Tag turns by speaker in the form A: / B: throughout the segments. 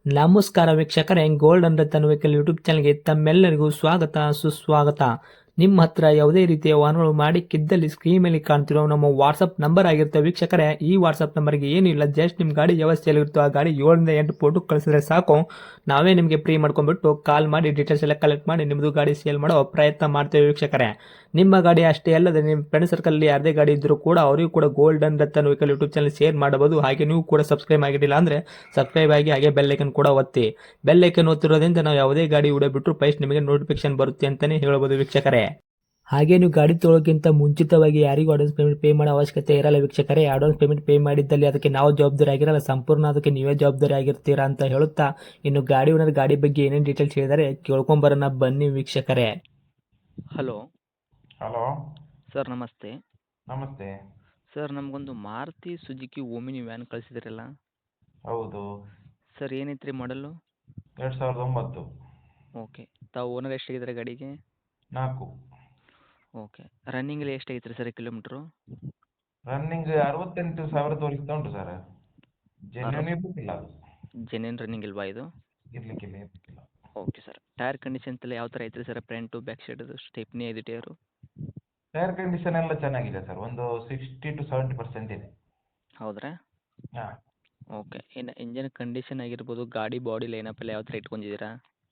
A: ನಮಸ್ಕಾರ ವೀಕ್ಷಕರೇ, golden Ratan vehicle YouTube ಚಾನಲ್ಗೆ ತಮ್ಮೆಲ್ಲರಿಗೂ ಸ್ವಾಗತ ಸುಸ್ವಾಗತ. ನಿಮ್ಮ ಹತ್ರ ಯಾವುದೇ ರೀತಿಯ ವಾಹನಗಳು ಮಾಡಿಕ್ಕಿದ್ದಲ್ಲಿ ಸ್ಕ್ರೀನ್ ಮೇಲೆ ಕಾಣ್ತಿರೋ ನಮ್ಮ ವಾಟ್ಸಪ್ ನಂಬರ್ ಆಗಿರುತ್ತೆ ವೀಕ್ಷಕರೇ. ಈ ವಾಟ್ಸಪ್ ನಂಬರ್ಗೆ ಏನಿಲ್ಲ, ಜಸ್ಟ್ ನಿಮ್ಮ ಗಾಡಿ ವ್ಯವಸ್ಥೆಯಲ್ಲಿರುತ್ತೋ ಆ ಗಾಡಿ 7 ರಿಂದ 8 ಫೋಟೋ ಕಳಿಸಿದ್ರೆ ಸಾಕು, ನಾವೇ ನಿಮಗೆ ಫ್ರೀ ಮಾಡ್ಕೊಂಡ್ಬಿಟ್ಟು ಕಾಲ್ ಮಾಡಿ ಡೀಟೇಲ್ಸ್ ಎಲ್ಲ ಕಲೆಕ್ಟ್ ಮಾಡಿ ನಿಮ್ಮದು ಗಾಡಿ ಸೇಲ್ ಮಾಡೋ ಪ್ರಯತ್ನ ಮಾಡ್ತೇವೆ ವೀಕ್ಷಕರೇ. ನಿಮ್ಮ ಗಾಡಿ ಅಷ್ಟೇ ಅಲ್ಲದೆ ನಿಮ್ಮ ಫ್ರೆಂಡ್ ಸರ್ಕಲ್ ಯಾರದೇ ಗಾಡಿ ಇದ್ದರೂ ಕೂಡ ಅವರಿಗೂ ಕೂಡ golden Ratan vehicle YouTube channel share ಮಾಡಬಹುದು. ಹಾಗೆ ನೀವು ಕೂಡ ಸಬ್ಸ್ಕ್ರೈಬ್ ಆಗಿರಲಿಲ್ಲ ಅಂದರೆ ಸಬ್ಸ್ಕ್ರೈಬ್ ಆಗಿ ಹಾಗೆ ಬೆಲ್ ಐಕನ್ ಕೂಡ ಒತ್ತಿ. ಬೆಲ್ ಐಕನ್ ಒತ್ತಿರೋದ್ರಿಂದ ನಾವು ಯಾವುದೇ ಗಾಡಿ ವಿಡಿಯೋ ಬಿಟ್ಟರು ಫಸ್ಟ್ ನಿಮಗೆ ನೋಟಿಫಿಕೇಶನ್ ಬರುತ್ತೆ ಅಂತಲೇ ಹೇಳ್ಬೋದು ವೀಕ್ಷಕರೇ. ಹಾಗೆ ನೀವು ಗಾಡಿ ತೊಳೋಕ್ಕಿಂತ ಮುಂಚಿತವಾಗಿ ಯಾರಿಗೂ ಅಡ್ವಾನ್ಸ್ ಪೇಮೆಂಟ್ ಪೇ ಮಾಡೋ ಅವಶ್ಯಕತೆ ಇರಲ್ಲ ವೀಕ್ಷಕರೇ. ಅಡ್ವಾನ್ಸ್ ಪೇಮೆಂಟ್ ಪೇ ಮಾಡಿದ್ದಲ್ಲಿ ಅದಕ್ಕೆ ನಾವು ಜವಾಬ್ದಾರಿ ಆಗಿರಲ್ಲ, ಸಂಪೂರ್ಣ ಅದಕ್ಕೆ ನೀವೇ ಜವಾಬ್ದಾರಿ ಆಗಿರ್ತೀರಾ ಅಂತ ಹೇಳುತ್ತಾ, ಇನ್ನು ಗಾಡಿ ಓನರ್ ಗಾಡಿ ಬಗ್ಗೆ ಏನೇನು ಡೀಟೇಲ್ಸ್ ಹೇಳಿದರೆ ಕೇಳ್ಕೊಂಬರೋಣ ಬನ್ನಿ ವೀಕ್ಷಕರೇ.
B: ಹಲೋ
C: ಹಲೋ
B: ಸರ್, ನಮಸ್ತೆ.
C: ನಮಸ್ತೆ.
B: ಸರ್, ನಮಗೊಂದು ಮಾರುತಿ ಸುಜುಕಿ ಓಮಿನಿ ವ್ಯಾನ್ ಕಳಿಸಿದ್ರಲ್ಲ
C: ಹೌದು,
B: ಸರ್, ಏನೈತ್ರಿ ಮಾಡಲು?
C: 2009.
B: ಓಕೆ. ತಾವು ಓನರ್ ಎಷ್ಟಾಗಿದ್ದಾರೆ ಗಾಡಿಗೆ?
C: 4.
B: ಓಕೆ. ರನ್ನಿಂಗಲ್ಲಿ ಎಷ್ಟಾಗೈತ್ರಿ ಸರ್ ಕಿಲೋಮೀಟ್ರು?
C: ರನ್ನಿಂಗ್ 68,000 ತೋರಿಸ್ತಾ ಉಂಟು ಸರ್. ಜೆನ್ಯೂನ್ ಇರ್ಲಿಕ್ಕಿಲ್ಲ ಅದು.
B: ಜೆನ್ಯೂನ್ ರನ್ನಿಂಗ್ ಇಲ್ವಾ ಇದು?
C: ಇರ್ಲಿಕ್ಕಿಲ್ಲ.
B: Okay sir. ಟೈರ್ ಕಂಡೀಷನ್ ಎಲ್ಲ ಯಾವ ಥರ ಐತ್ರಿ ಸರ್? ಫ್ರಂಟು ಬ್ಯಾಕ್ ಸೈಡದು ಸ್ಟೆಪ್ನಿ ಐದು ಟೈರು?
C: ಟೈರ್ ಕಂಡೀಷನ್ ಎಲ್ಲ ಚೆನ್ನಾಗಿದೆ ಸರ್, ಒಂದು 60 to 70% ಇದೆ.
B: ಹೌದ್ರಾ?
C: ಹಾಂ.
B: ಓಕೆ. ಇನ್ನು ಇಂಜನ್ ಕಂಡೀಷನ್ ಆಗಿರ್ಬೋದು, ಗಾಡಿ ಬಾಡಿ ಲೈನಪ್ ಎಲ್ಲ ಯಾವ ಥರ ಇಟ್ಕೊಂಡಿದ್ದೀರಾ?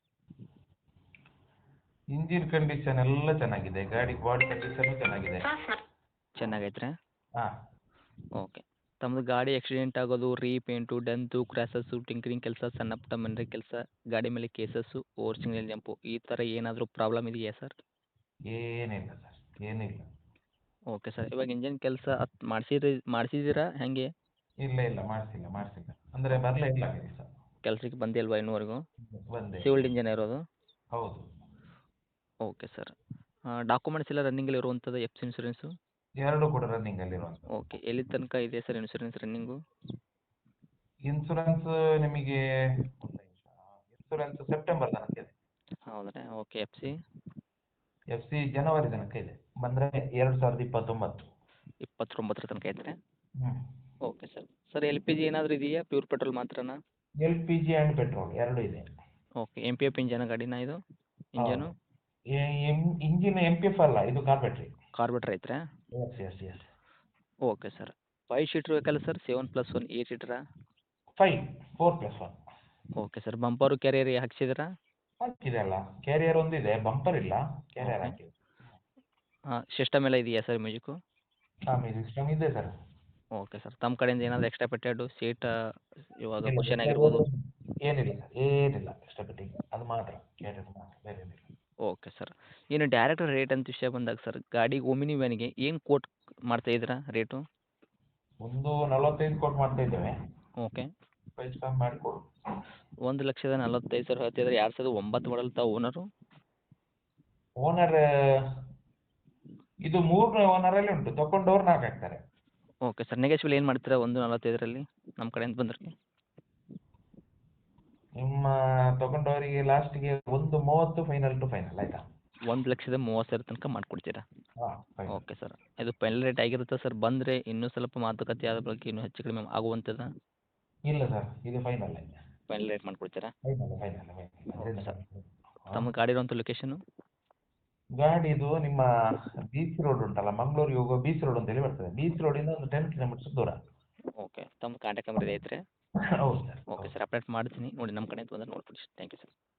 C: ಇಂಜಿನ್ ಕಂಡೀಷನ್ ಎಲ್ಲ ಚೆನ್ನಾಗಿದೆ, ಗಾಡಿ ಬಾಡಿ ಕಂಡೀಷನ್ ಚೆನ್ನಾಗಿದೆ.
B: ಚೆನ್ನಾಗೈತ್ರಾ?
C: ಹಾಂ.
B: ಓಕೆ. ತಮ್ಮದು ಗಾಡಿ ಆಕ್ಸಿಡೆಂಟ್ ಆಗೋದು, ರೀಪೇಂಟು, ಡೆಂತು, ಕ್ರ್ಯಾಸಸ್ಸು, ಟಿಂಕರಿಂಗ್ ಕೆಲಸ, ಸಣ್ಣ ಪುಟ್ಟ ಮನೆ ಕೆಲಸ, ಗಾಡಿ ಮೇಲೆ ಕೇಸಸ್ಸು, ಓವರ್ ಸಿಂಗಲ್ ಜಂಪು, ಈ ಥರ ಏನಾದರೂ ಪ್ರಾಬ್ಲಮ್ ಇದೆಯಾ ಸರ್?
C: ಏನಿಲ್ಲ ಸರ್, ಏನಿಲ್ಲ.
B: Okay sir. ಇವಾಗ ಇಂಜನ್ ಕೆಲಸ ಮಾಡಿಸಿದ್ದೀರಾ ಹೇಗೆ?
C: ಇಲ್ಲ ಮಾಡಿಸಿಲ್ಲ. ಅಂದರೆ ಬರಲೇ ಇಲ್ಲ ಕೆಲಸ.
B: ಕೆಲಸಕ್ಕೆ ಬಂದಿಲ್ವಾ ಇನ್ನೂವರೆಗೂ?
C: ಬಂದೆ.
B: ಸಿವಿಲ್ಡ್ ಇಂಜನ್ ಇರೋದು?
C: ಹೌದು.
B: Okay sir. ಡಾಕ್ಯುಮೆಂಟ್ಸ್ ಎಲ್ಲ ರನ್ನಿಂಗಲ್ಲಿ ಇರುವಂಥದ್ದು, ಎಫ್ ಸಿ ಇನ್ಶೂರೆನ್ಸು?
C: ಎರಡು ಕೂಡ ರನ್ನಿಂಗಲ್ಲಿರುವಂಥ.
B: ಓಕೆ. ಎಲ್ಲಿ ತನಕ ಇದೆ ಸರ್ ಇನ್ಶೂರೆನ್ಸ್ ರನ್ನಿಂಗು?
C: ಇನ್ಸೂರೆನ್ಸ್ ನಿಮಗೆ ಇನ್ಸೂರೆನ್ಸ್ ಸೆಪ್ಟೆಂಬರ್ ತನಕ ಇದೆ.
B: ಹೌದಾ? ಓಕೆ.
C: ಎಫ್ ಸಿ ಜನವರಿ ತನಕ ಇದೆ, ಬಂದರೆ 2029.
B: 29 ತನಕ ಐತ್ರಿ?
C: ಹ್ಞೂ.
B: Okay sir. Sir, L P G ಏನಾದರೂ ಇದೆಯಾ, ಪ್ಯೂರ್ ಪೆಟ್ರೋಲ್ ಮಾತ್ರನಾ?
C: LPG ಆ್ಯಂಡ್ ಪೆಟ್ರೋಲ್ ಎರಡೂ ಇದೆ.
B: Okay. M P F engine ಗಾಡಿನಾ ಇದು? ಇಂಜನು
C: ಇಂಜಿನ್ MPF ಅಲ್ಲ, ಇದು ಕಾರ್ಬೆಟ್ರಿ.
B: ಕಾರ್ಬೇಟ್ರ್ ಐತ್ರಾ?
C: ಎಸ್.
B: Okay sir. 5 ಸೀಟ್ರ್ ಬೇಕಲ್ಲ ಸರ್? 7+1 8 ಸೀಟ್ರಾ?
C: 4+1
B: ಓಕೆ ಸರ್. ಬಂಪರು ಕ್ಯಾರಿಯರ್ ಹಾಕ್ಸಿದ್ದೀರಾ?
C: ಹಾಕಿದೆ ಅಲ್ಲ, ಕ್ಯಾರಿಯರ್ ಒಂದಿದೆ, ಬಂಪರ್ ಇಲ್ಲ, ಕ್ಯಾರಿಯರ್
B: ಓಕೆ.
C: ಹಾಕಿದೆ.
B: ಸಿಸ್ಟಮ್ ಎಲ್ಲ ಇದೆಯಾ ಸರ್ ಮ್ಯೂಸಿಕ್ಕು?
C: ಮ್ಯೂಸಿಕ್ ಸಿಸ್ಟಮ್ ಇದೆ ಸರ್.
B: Okay sir. ತಮ್ಮ ಕಡೆಯಿಂದ ಏನಾದರೂ ಎಕ್ಸ್ಟ್ರಾ ಪೆಟ್ಟೆಡು ಸೀಟ್ ಇವಾಗ
C: ಇಲ್ಲ,
B: ಕುಷನ್ ಆಗಿರ್ಬೋದು?
C: ಏನಿಲ್ಲ ಎಕ್ಸ್ಟ್ರಾ ಫಿಟ್ಟಿಂಗ್, ಅದು ಮಾತ್ರ ಕ್ಯಾರಿಯರ್ ಮಾತ್ರ, ಬೇರೆ ಏನಿಲ್ಲ.
B: Okay sir. ಇನ್ನು ಡೈರೆಕ್ಟ್ ರೇಟ್ ಅಂತ ವಿಷಯ ಬಂದಾಗ ಸರ್, ಗಾಡಿ ಓಮಿನಿ ವ್ಯಾನಿಗೆ ಏನು ಕೋಟ್ ಮಾಡ್ತಾಯಿದ್ದೀರಾ ರೇಟು?
C: ಒಂದು 45 ಕೋಟ್ ಮಾಡ್ತಾ ಇದ್ದೇವೆ.
B: ಓಕೆ.
C: ಪ್ರೈಸ್ ಕಮ್ಮಿ ಮಾಡಿಕೊಡು.
B: 1,45,000 ಹೇಳ್ತಿದ್ರೆ 2009 ಮಾಡಲ್ ತಾವು ಓನರು?
C: ಓನರ್ ಇದು 3 ಓನರಲ್ಲಿ ಉಂಟು, ತಗೊಂಡವ್ರು 4 ಆಗ್ತಾರೆ.
B: Okay sir. ನೆಗೆಶ್ವಲ್ ಏನು ಮಾಡ್ತೀರಾ 1,45,000 ನಮ್ಮ ಕಡೆಯಿಂದ ಬಂದರೆ?
C: ನಿಮ್ಮ ತಗೊಂಡವರಿಗೆ ಲಾಸ್ಟಿಗೆ 1.30 ಫೈನಲ್ ಟು ಫೈನಲ್, ಆಯ್ತಾ?
B: 1,30,000 ತನಕ ಮಾಡಿಕೊಡ್ತೀರಾ?
C: ಹಾಂ.
B: Okay sir. ಇದು ಫೈನಲ್ ರೇಟ್ ಆಗಿರುತ್ತೆ ಸರ್? ಬಂದರೆ ಇನ್ನೂ ಸ್ವಲ್ಪ ಮಾತುಕತೆ ಆದ ಬಳಿಕ ಇನ್ನೂ ಹೆಚ್ಚು ಕಡಿಮೆ ಆಗುವಂಥದ್ದಾ?
C: ಇಲ್ಲ ಸರ್, ಇದು ಫೈನಲ್.
B: ಫೈನಲ್ ರೇಟ್ ಮಾಡಿಕೊಡ್ತೀರಾ?
C: ಫೈನಲ್.
B: Okay sir. ತಮ್ಮ ಗಾಡಿ ಇರುವಂಥ ಲೊಕೇಶನು?
C: ಗಾಡಿದು ನಿಮ್ಮ ಬೀಚ್ ರೋಡ್ ಉಂಟಲ್ಲ, ಮಂಗಳೂರಿಗೆ ಹೋಗುವ ಬೀಚ್ ರೋಡ್ ಅಂತೇಳಿ ಬರ್ತದೆ. ಬೀಚ್ ರೋಡಿಂದ ಒಂದು 10 ಕಿಲೋಮೀಟರ್ಸ್ ದೂರ.
B: ಓಕೆ. ತಮ್ಮ ಕಾಂಟ್ಯಾಕ್ಟ್ ನಂಬರ್ ಐತ್ರಿ?
C: ಹೌದು ಸರ್.
B: Okay sir. ಅಪ್ಡೇಟ್ ಮಾಡ್ತೀನಿ ನೋಡಿ, ನಮ್ಮ ಕಡೆಯಿಂದ ಬಂದರೆ ನೋಡ್ಕೊಡಿ. Thank you sir.